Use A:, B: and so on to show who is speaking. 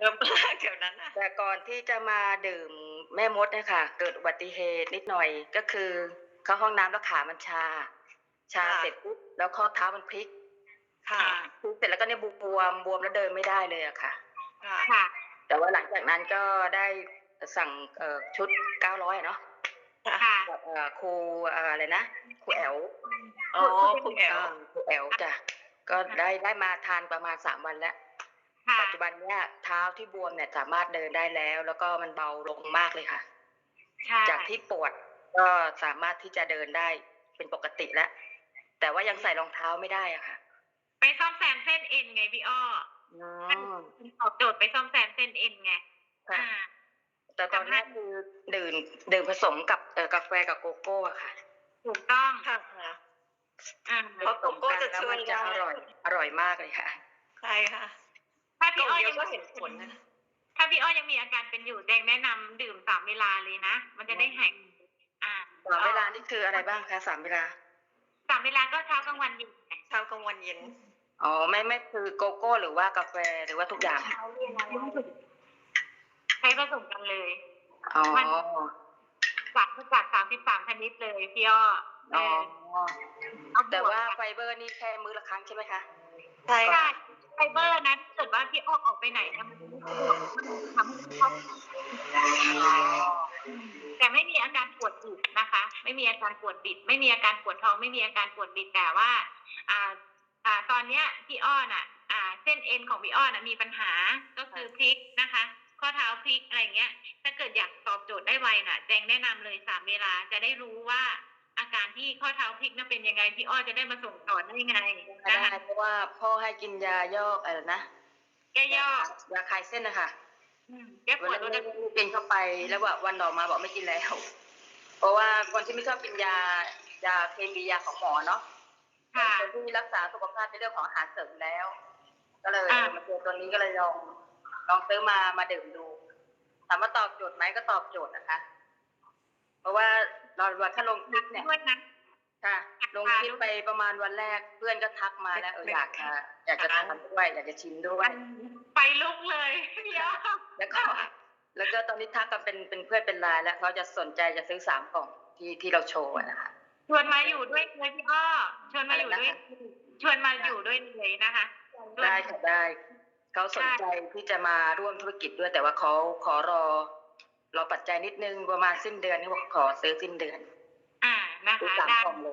A: เยอะมากเดี๋ยวนั้นน่ะ
B: แต่ก่อนที่จะมาดื่มแม่มดเนี่ยค่ะเกิดอุบัติเหตุนิดหน่อยก็คือเข้าห้องน้ำแล้วขามันชา
A: ค่ะ
B: เสร็จปุ๊บแล้วข้อเท้ามันพลิก
A: ค่ะ
B: พลิกเสร็จแล้วก็เนี่ยบวมแล้วเดินไม่ได้เลยอะค่ะ
A: ค่ะ
C: ค่ะ
B: แต่ว่าหลังจากนั้นก็ได้สั่งชุด900อะเนาะ
A: ค่ะ
C: ค่ะ
B: กับครูอะไรนะครูแอ๋ว
A: อ๋อคุณแอ๋ว
B: ครูแอ๋วจ้ะก็ได้มาทานประมาณ3วันแล้ว
C: ค่ะ
B: ปัจจุบันเนี่ยเท้าที่บวมเนี่ยสามารถเดินได้แล้วก็มันเบาลงมากเลยค่ะ
C: ใช่
B: จากที่ปวดก็สามารถที่จะเดินได้เป็นปกติแล้วแต่ว่ายังใส่รองเท้าไม่ได้อะค่ะ
C: ไปซ่อมแซมเส้นเอ็นไงพี่อ้อ
B: อืม
C: ตอบโจทย์ไปซ่อมแซมเส้นเอ็นไง
B: ค่ะแต่ตอนนี้คือดื่มผสมกับกาแฟกับโกโก้อะค่ะ
C: ถูกต้อง
A: ค่ะ
C: อ่า
A: เพราะโกโก้จะช่วย
B: แล้วมันจะ
A: ได้
B: อร่อยมากเลยค่ะ
A: ใช่ค่ะ
C: ถ้า
A: กล่
C: พี่
A: อง
C: อ้อ
A: เดีย
C: ยั
A: ว
C: ง
A: ก็เห็นผลนะ
C: ถ้าพี่อ้อยังมีอาการเป็นอยู่แจงแนะนำดื่ม3 เวลาเลยนะ มันจะได้หาย
B: 3 เวลานี่คืออะไรบ้างคะ3 เวลา
C: 3 เวลาก็เช้ากลางวันเย็นไง
A: เช้ากลางวันเย็น
B: อ๋อไม่คือโกโก้หรือว่ากาแฟหรือว่าทุกอย่าง
C: ใช้ผสมกันเลย
B: อ๋อ
C: จาก33 ชนิดเลยพี่อ้อ
B: อ๋อ
C: เอาบ
B: แต่
C: วก
B: ว่าไฟเบอร์นี่แค่มื้อละครั้งใช่ไหมคะ
A: ใช่
C: ใช่
A: ค่ะ
C: ไฟเบอร์นะถ้าเกิดว่าพี่อ้อออกไปไหนเนี่ยมันจะไม่สะดวกทำให้เขาแต่ไม่มีอาการปวดบิดนะคะ ไม่มีอาการปวดบิด ไม่มีอาการปวดท้อง ไม่มีอาการปวดบิดแต่ว่าตอนเนี้ยพี่อ้อน่ะเส้นเอ็นของพี่อ้อน่ะมีปัญหาก็คือพลิกนะคะ ข้อเท้าพลิกอะไรเงี้ย ถ้าเกิดอยากตอบโจทย์ได้ไวน่ะแจงแนะนำเลย3 เวลาจะได้รู้ว่าอาการที่ข้อเท้าพลิกนั้นเป็นยังไงพี่อ้อจะได้มาส่งต่อได้ไง
B: ได้
C: นะคะ
B: เพราะว่าพ่อให้กินยาย่อกอะไรนะ
C: แก้ย่อย
B: าคลายเส้นนะคะ
C: แก้ป
B: วัน
C: วด
B: นั้น
C: ลด
B: ไม่กินเข้าไปแล้วว่าวันต่อมาบอกไม่กินแล้ว เพราะว่าคนที่ไม่ชอบกินยาเคมียาของหมอเนาะ
C: ค่ะ
B: คนที่รักษาสุขภาพในเรื่องของอาหารเสริมแล้ว ก็เลย
C: อ่า
B: มาเจอตัวนี้ก็เลยลองซื้อมาดื่มดูถามว่าตอบโจทย์ไหมก็ตอบโจทย์นะคะ เพราะว่าเราถ้าลงคลิปเนี่ย
C: ด้วยนะ
B: ค่ะลงคลิปไปประมาณวันแรกเพื่อนก็ทักมาแล้วอยากจะทานด้วยอยากจะชิมด้วย
C: ไปลุกเลยพี่อ้อ
B: แล้วก็ตอนนี้ทักกันเป็นเพื่อนเป็นไลน์แล้วเขาจะสนใจจะซื้อ3 กล่องที่เราโชว์อะนะคะ
C: ชวนมาอยู่ด้วยเลยพี่อ้อชวนมาอยู่ด้วย
B: อะไรนะคะ
C: ชวนมาอยู่ด้วยเลยนะคะชวน
B: ได้ค่ะได้เขาสนใจที่จะมาร่วมธุรกิจด้วยแต่ว่าเขาขอรอปัจจัยนิดนึงประมาณสิ้นเดือนนี่บอกขอซื้อสิ้นเดือน
C: นะคะ
B: ซื้อ3
C: ได้
B: กล่องเลย